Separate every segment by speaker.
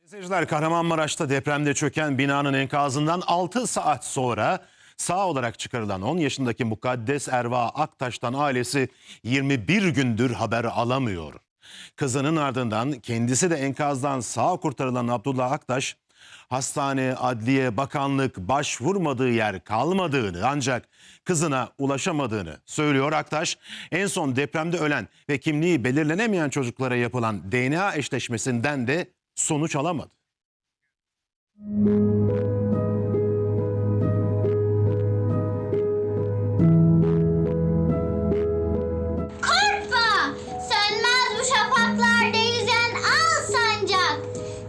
Speaker 1: Seyirciler, Kahramanmaraş'ta depremde çöken binanın enkazından 6 saat sonra sağ olarak çıkarılan 10 yaşındaki Mukaddes Erva Aktaş'tan ailesi 21 gündür haber alamıyor. Kızının ardından kendisi de enkazdan sağ kurtarılan Abdullah Aktaş, hastane, adliye, bakanlık başvurmadığı yer kalmadığını ancak kızına ulaşamadığını söylüyor. Aktaş, en son depremde ölen ve kimliği belirlenemeyen çocuklara yapılan DNA eşleşmesinden de sonuç alamadı.
Speaker 2: Korkma! Sönmez bu şafaklarda yüzen al sancak.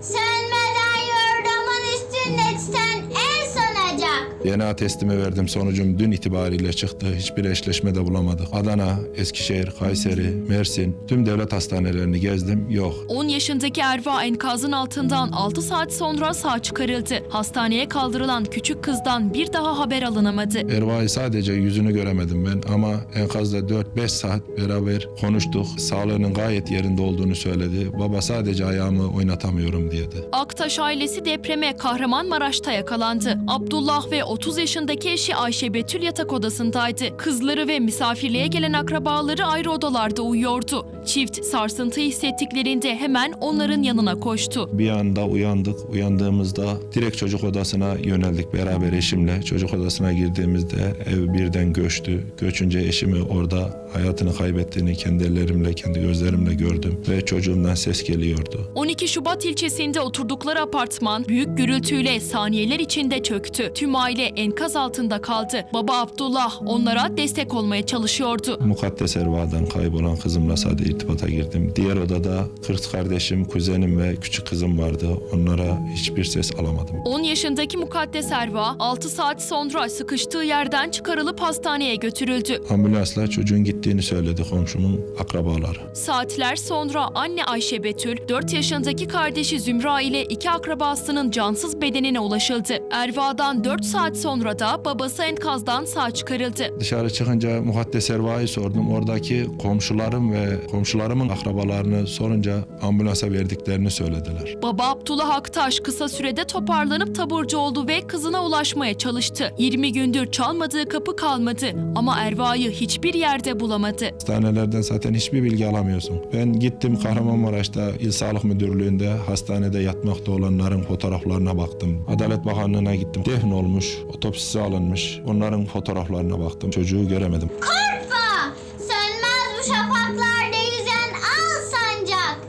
Speaker 2: Sönmeden yordamın üstünde titen el sanacak.
Speaker 3: DNA testimi verdim. Sonucum dün itibariyle çıktı. Hiçbir eşleşme de bulamadık. Adana, Eskişehir, Kayseri, Mersin, tüm devlet hastanelerini gezdim. Yok.
Speaker 4: 10 yaşındaki Erva enkazın altından 6 saat sonra sağ çıkarıldı. Hastaneye kaldırılan küçük kızdan bir daha haber alınamadı.
Speaker 3: Erva'yı sadece yüzünü göremedim ben ama enkazda 4-5 saat beraber konuştuk. Sağlığının gayet yerinde olduğunu söyledi. Baba sadece ayağımı oynatamıyorum dedi.
Speaker 4: Aktaş ailesi depreme Kahramanmaraş'ta yakalandı. Abdullah ve 30 yaşındaki eşi Ayşe Betül yatak odasındaydı. Kızları ve misafirliğe gelen akrabaları ayrı odalarda uyuyordu. Çift sarsıntı hissettiklerinde hemen onların yanına koştu.
Speaker 3: Bir anda uyandık. Uyandığımızda direkt çocuk odasına yöneldik beraber eşimle. Çocuk odasına girdiğimizde ev birden göçtü. Göçünce eşimi orada hayatını kaybettiğini kendi ellerimle, kendi gözlerimle gördüm ve çocuğumdan ses geliyordu.
Speaker 4: 12 Şubat ilçesinde oturdukları apartman büyük gürültüyle saniyeler içinde çöktü. Tüm aile enkaz altında kaldı. Baba Abdullah onlara destek olmaya çalışıyordu.
Speaker 3: Mukaddes Erva'dan kaybolan kızımla sadece irtibata girdim. Diğer odada kız kardeşim, kuzenim ve küçük kızım vardı. Onlara hiçbir ses alamadım.
Speaker 4: 10 yaşındaki Mukaddes Erva 6 saat sonra sıkıştığı yerden çıkarılıp hastaneye götürüldü.
Speaker 3: Ambulansla çocuğun gittiğini söyledi komşumun akrabaları.
Speaker 4: Saatler sonra anne Ayşe Betül, 4 yaşındaki kardeşi Zümra ile 2 akrabasının cansız bedenine ulaşıldı. Erva'dan 4 saat sonra da babası enkazdan sağ çıkarıldı.
Speaker 3: Dışarı çıkınca Mukaddes Erva'yı sordum. Oradaki komşularım ve komşularımın akrabalarını sorunca ambulansa verdiklerini söylediler.
Speaker 4: Baba Abdullah Aktaş kısa sürede toparlanıp taburcu oldu ve kızına ulaşmaya çalıştı. 20 gündür çalmadığı kapı kalmadı ama Erva'yı hiçbir yerde bulamadı.
Speaker 3: Hastanelerden zaten hiçbir bilgi alamıyorsun. Ben gittim Kahramanmaraş'ta İl Sağlık Müdürlüğü'nde hastanede yatmakta olanların fotoğraflarına baktım. Adalet Bakanlığı'na gittim. Defn olmuş, otopsisi alınmış. Onların fotoğraflarına baktım. Çocuğu göremedim.
Speaker 2: Korkma! Sönmez bu şafaklarda yüzen al sancak.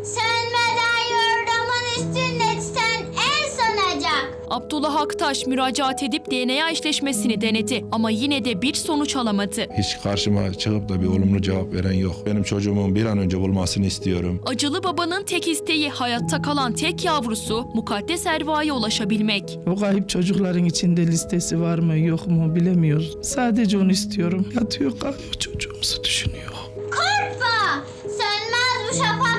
Speaker 2: Sönmeden yordamın üstünde titen el sanacak.
Speaker 4: Abdullah Aktaş müracaat edip DNA eşleşmesini denedi ama yine de bir sonuç alamadı.
Speaker 3: Hiç karşıma çıkıp da bir olumlu cevap veren yok. Benim çocuğumun bir an önce bulmasını istiyorum.
Speaker 4: Acılı babanın tek isteği hayatta kalan tek yavrusu Mukaddes Erva'ya ulaşabilmek.
Speaker 5: O kayıp çocukların içinde listesi var mı yok mu bilemiyoruz. Sadece onu istiyorum. Yatıyor kalkıyor çocuğumuzu düşünüyor.
Speaker 2: Korkma! Sönmez bu şafaklarda